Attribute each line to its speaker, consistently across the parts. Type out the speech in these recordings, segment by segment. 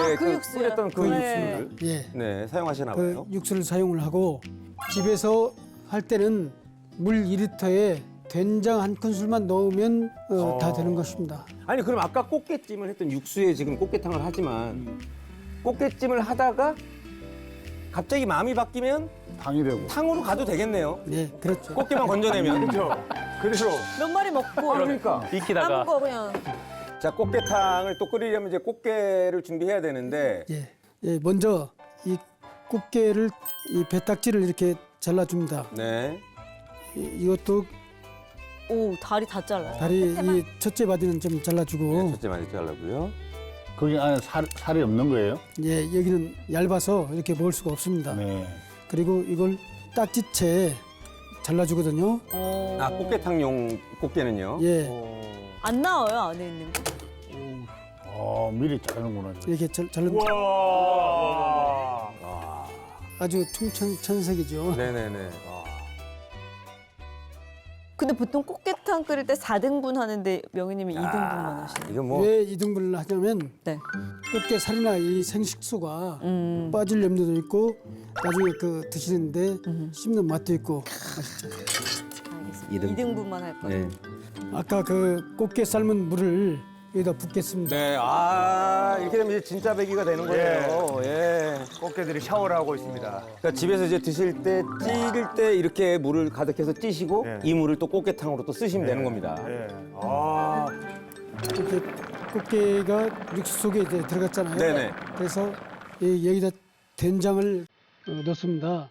Speaker 1: 그
Speaker 2: 그
Speaker 1: 육수요?
Speaker 2: 끓였던 그
Speaker 1: 네.
Speaker 2: 육수를
Speaker 3: 예,
Speaker 2: 네, 사용하시나
Speaker 3: 그
Speaker 2: 봐요.
Speaker 3: 육수를 사용을 하고 집에서 할 때는 물 2리터에 된장 한 큰술만 넣으면 다 되는 것입니다.
Speaker 2: 아니 그럼 아까 꽃게찜을 했던 육수에 지금 꽃게탕을 하지만 꽃게찜을 하다가 갑자기 마음이 바뀌면
Speaker 4: 당이 되고.
Speaker 2: 탕으로 가도 되겠네요.
Speaker 3: 네, 그렇죠.
Speaker 2: 꽃게만 건져내면. 그렇죠.
Speaker 5: 그래서
Speaker 1: 몇 마리 먹고
Speaker 2: 그러니까.
Speaker 6: 익히다가
Speaker 1: 남은 거 그냥
Speaker 2: 자, 꽃게탕을 또 끓이려면 이제 꽃게를 준비해야 되는데
Speaker 3: 예, 예, 먼저 이 꽃게를 이 배딱지를 이렇게 잘라줍니다.
Speaker 2: 네.
Speaker 3: 이것도
Speaker 1: 오 다리 다 잘라요.
Speaker 3: 다리 이 첫째 바디는 좀 잘라주고
Speaker 2: 네, 첫째 많이 잘라고요.
Speaker 4: 거기 안에 살이 없는 거예요?
Speaker 3: 예, 여기는 얇아서 이렇게 먹을 수가 없습니다.
Speaker 4: 네.
Speaker 3: 그리고 이걸 딱지채 잘라주거든요.
Speaker 1: 오.
Speaker 2: 아, 꽃게탕용 꽃게는요?
Speaker 3: 예,
Speaker 1: 안 나와요 안에 있는 거.
Speaker 4: 미리 자르는구나.
Speaker 3: 이렇게 자르면
Speaker 5: 와.
Speaker 3: 아주 총천색이죠.
Speaker 2: 네네네. 아.
Speaker 1: 근데 보통 꽃게탕 끓일 때 4등분 하는데 명희님이 2등분만 하시네요.
Speaker 2: 이거 뭐
Speaker 3: 왜 2등분을 하냐면
Speaker 1: 네.
Speaker 3: 꽃게 살이나 이 생식수가 빠질 염려도 있고 나중에 그 드시는데 씹는 맛도 있고 맛있죠.
Speaker 1: 알겠습니다. 2등분만 할 거예요.
Speaker 2: 네.
Speaker 3: 아까 그 꽃게 삶은 물을 여기다 붓겠습니다.
Speaker 2: 네. 아, 이렇게 되면 이제 진짜 배기가 되는 거예요. 예.
Speaker 5: 꽃게들이 샤워를 하고 있습니다.
Speaker 2: 그러니까 집에서 이제 드실 때 찌를 때 이렇게 물을 가득해서 찌시고
Speaker 5: 네.
Speaker 2: 이 물을 또 꽃게탕으로 또 쓰시면 되는 겁니다.
Speaker 5: 예. 아.
Speaker 3: 이렇게 꽃게가 육수 속에 이제 들어갔잖아요.
Speaker 2: 네네.
Speaker 3: 그래서 여기다 된장을 넣습니다.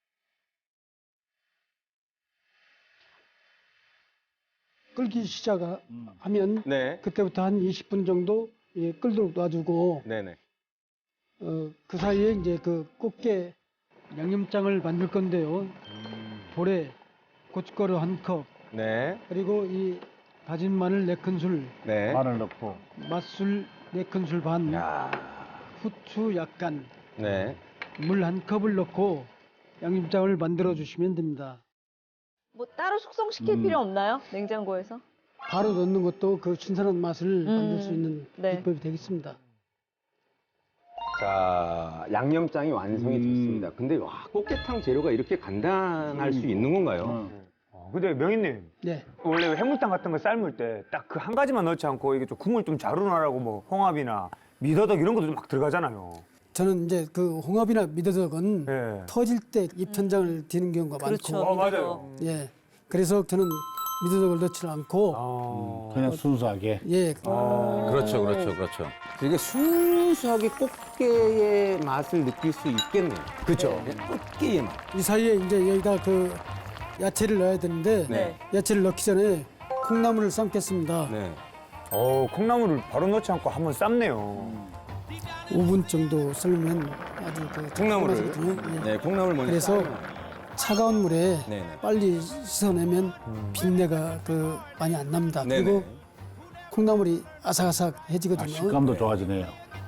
Speaker 3: 끓기 시작하면
Speaker 2: 네.
Speaker 3: 그때부터 한 20분 정도 끓도록 놔두고
Speaker 2: 네네.
Speaker 3: 그 사이에 이제 그 꽃게 양념장을 만들 건데요. 볼에 고춧가루 1컵,
Speaker 2: 네.
Speaker 3: 그리고 이 다진 마늘 4큰술,
Speaker 2: 네.
Speaker 4: 마늘 넣고.
Speaker 3: 맛술 4큰술 반,
Speaker 2: 야.
Speaker 3: 후추 약간,
Speaker 2: 네.
Speaker 3: 물 1컵을 넣고 양념장을 만들어 주시면 됩니다.
Speaker 1: 뭐 따로 숙성시킬 필요 없나요? 냉장고에서?
Speaker 3: 바로 넣는 것도 그 신선한 맛을 만들 수 있는
Speaker 1: 네.
Speaker 3: 비법이 되겠습니다.
Speaker 2: 자, 양념장이 완성이 됐습니다. 근데 와, 꽃게탕 재료가 이렇게 간단할 수 있는 건가요?
Speaker 5: 근데 명희님
Speaker 3: 네,
Speaker 5: 원래 해물탕 같은 거 삶을 때 딱 그 한 가지만 넣지 않고 이게 좀 국물 좀 잘 우러나라고 뭐 홍합이나 미더덕 이런 것도 막 들어가잖아요.
Speaker 3: 저는 이제 그 홍합이나 미더덕은
Speaker 5: 예.
Speaker 3: 터질 때 입천장을 디는 경우가
Speaker 1: 그렇죠.
Speaker 3: 많고,
Speaker 5: 맞아요.
Speaker 3: 예, 그래서 저는 미더덕을 넣지 않고,
Speaker 5: 아.
Speaker 4: 그냥 순수하게.
Speaker 3: 예,
Speaker 2: 그렇죠, 그렇죠, 그렇죠. 되게 순수하게 꽃게의 맛을 느낄 수 있겠네요. 그렇죠. 꽃게의 맛.
Speaker 3: 이 사이에 이제 여기다 그 야채를 넣어야 되는데
Speaker 2: 네.
Speaker 3: 야채를 넣기 전에 콩나물을 삶겠습니다.
Speaker 2: 네.
Speaker 5: 콩나물을 바로 넣지 않고 한번 삶네요.
Speaker 3: 5분 정도 삶으면 아주 그
Speaker 2: 콩나물을.
Speaker 3: 맛있거든요. 예.
Speaker 2: 네, 콩나물 먼저.
Speaker 3: 그래서
Speaker 2: 삶아요.
Speaker 3: 차가운 물에
Speaker 2: 네네.
Speaker 3: 빨리 씻어내면 비린내가 그 많이 안 납니다.
Speaker 2: 네네.
Speaker 3: 그리고 콩나물이 아삭아삭해지거든요.
Speaker 4: 식감도 좋아지네요.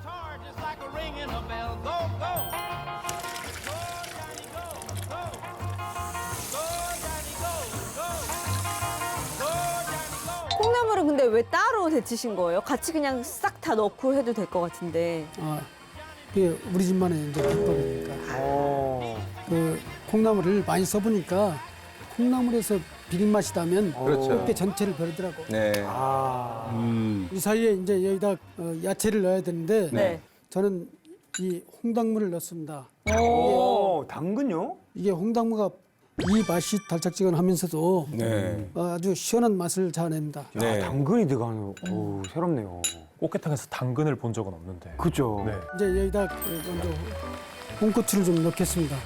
Speaker 1: 콩나물은 근데 왜 따로 데치신 거예요? 같이 그냥 싹 다 넣고 해도 될 것 같은데.
Speaker 3: 그게 우리 집만의 이제 비법이니까. 그 콩나물을 많이 써보니까 콩나물에서 비린 맛이 나면
Speaker 2: 그렇죠.
Speaker 3: 꽃게 전체를 버리더라고.
Speaker 2: 네.
Speaker 3: 이 사이에 이제 여기다 야채를 넣어야 되는데
Speaker 1: 네.
Speaker 3: 저는 이 홍당무를 넣습니다.
Speaker 5: 당근요?
Speaker 3: 이게 홍당무가 이 맛이 달짝지근하면서도
Speaker 2: 네.
Speaker 3: 아주 시원한 맛을 자아냅니다.
Speaker 2: 네.
Speaker 5: 당근이 들어가는. 오, 새롭네요.
Speaker 6: 꽃게탕에서 당근을 본 적은 없는데.
Speaker 5: 그죠?
Speaker 6: 네.
Speaker 3: 이제 여기다 먼저 홍고추를 좀 넣겠습니다.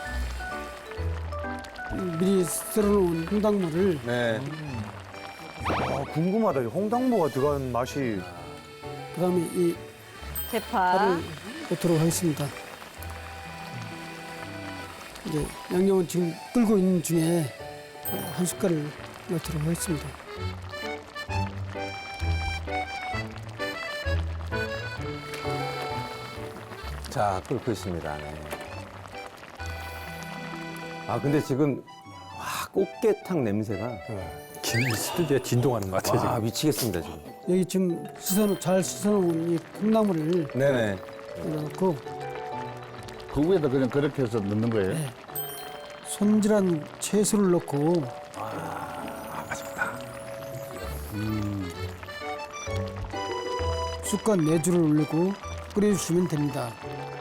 Speaker 3: 미리 썰어놓은 홍당무를
Speaker 2: 네.
Speaker 5: 궁금하다. 이 홍당무가 들어간 맛이.
Speaker 3: 그다음에 이
Speaker 1: 대파.
Speaker 3: 파를 넣도록 하겠습니다. 이제 양념은 지금 끓고 있는 중에 한 숟갈을 넣도록 하겠습니다.
Speaker 2: 자, 끓고 있습니다. 네. 아, 근데 지금 와, 꽃게탕 냄새가
Speaker 6: 스튜디오에 진동하는 것 같아요,
Speaker 2: 와, 미치겠습니다, 지금.
Speaker 3: 여기 지금 잘 씻어놓은 이 콩나물을
Speaker 2: 네네.
Speaker 3: 끓여놓고
Speaker 4: 그 위에다 그냥 그렇게 해서 넣는 거예요?
Speaker 3: 네. 손질한 채소를 넣고 쑥과 내주를 올리고 끓여주시면 됩니다.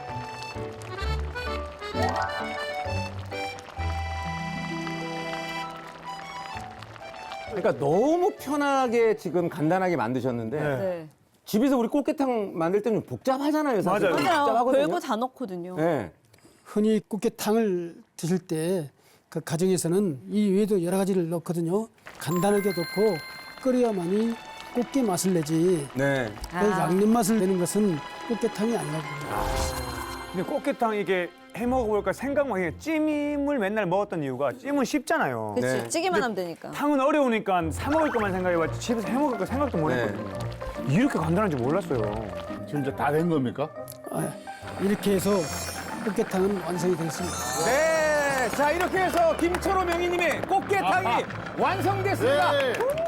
Speaker 2: 그러니까 너무 편하게 지금 간단하게 만드셨는데
Speaker 1: 네.
Speaker 2: 집에서 우리 꽃게탕 만들 때는 복잡하잖아요, 사실.
Speaker 5: 맞아요.
Speaker 1: 맞아요.
Speaker 2: 복잡하거든요.
Speaker 1: 별거 다 넣거든요.
Speaker 2: 네.
Speaker 3: 흔히 꽃게탕을 드실 때 그 가정에서는 이 외에도 여러 가지를 넣거든요. 간단하게 넣고 끓여야만이 꽃게 맛을 내지
Speaker 2: 네.
Speaker 3: 그 양념 맛을 내는 것은 꽃게탕이 아니라고 봅니다.
Speaker 5: 근데 꽃게탕 이게 해 먹어볼까 생각만 해. 찜을 맨날 먹었던 이유가 찜은 쉽잖아요.
Speaker 1: 그치,
Speaker 2: 네.
Speaker 1: 찌기만 하면 되니까.
Speaker 5: 탕은 어려우니까 사 먹을 것만 생각해봤지 집에서 해 먹을 거 생각도 못
Speaker 2: 네.
Speaker 5: 했거든요. 이렇게 간단한지 몰랐어요.
Speaker 4: 진짜 다 된 겁니까?
Speaker 3: 이렇게 해서 꽃게탕은 완성이 되었습니다.
Speaker 2: 네. 자, 이렇게 해서 김철호 명희님의 꽃게탕이 완성됐습니다.
Speaker 4: 네.